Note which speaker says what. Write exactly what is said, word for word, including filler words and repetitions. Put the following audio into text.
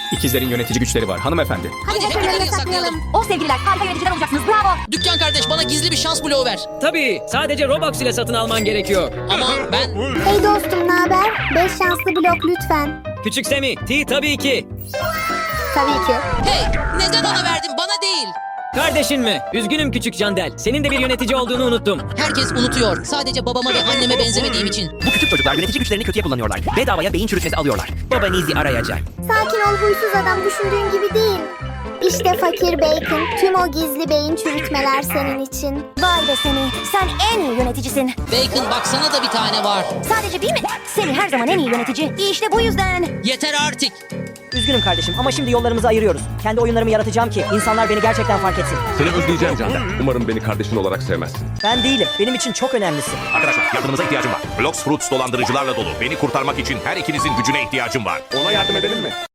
Speaker 1: İkizlerin yönetici güçleri var hanımefendi.
Speaker 2: Hadi,
Speaker 3: Hadi
Speaker 2: hep
Speaker 3: hep
Speaker 2: önlerine
Speaker 3: önlerine
Speaker 2: saklayalım.
Speaker 3: saklayalım.
Speaker 2: Oh sevgililer, harika yöneticiler olacaksınız. Bravo.
Speaker 3: Dükkan kardeş, bana gizli bir şans bloğu ver.
Speaker 4: Tabii, sadece Robux ile satın alman gerekiyor.
Speaker 3: Ama ben...
Speaker 5: Hey dostum, naber? Beş şanslı blok lütfen.
Speaker 4: Küçük Semi, T tabii ki.
Speaker 5: Tabii ki.
Speaker 3: Hey, neden ona verdin, bana değil?
Speaker 4: Kardeşin mi? Üzgünüm küçük Candel. Senin de bir yönetici olduğunu unuttum.
Speaker 3: Herkes unutuyor. Sadece babama ve anneme benzemediğim için.
Speaker 6: Bu küçük çocuklar yönetici güçlerini kötüye kullanıyorlar. Bedavaya beyin çürütmesi alıyorlar. Babanızı arayacak.
Speaker 5: Sakin ol huysuz adam, düşündüğün gibi değil. İşte fakir Bacon. Tüm o gizli beyin çürütmeler senin için.
Speaker 2: Vay be Semi, sen en iyi yöneticisin.
Speaker 3: Bacon, baksana da bir tane var.
Speaker 2: Sadece bir mi? Semi her zaman en iyi yönetici. İşte bu yüzden.
Speaker 3: Yeter artık.
Speaker 7: Üzgünüm kardeşim ama şimdi yollarımızı ayırıyoruz. Kendi oyunlarımı yaratacağım ki insanlar beni gerçekten fark etsin.
Speaker 8: Seni özleyeceğim Cander. Umarım beni kardeşin olarak sevmezsin.
Speaker 7: Ben değilim. Benim için çok önemlisin.
Speaker 9: Arkadaşlar yardımınıza ihtiyacım var. Blox Fruits dolandırıcılarla dolu. Beni kurtarmak için her ikinizin gücüne ihtiyacım var.
Speaker 8: Ona yardım edelim mi?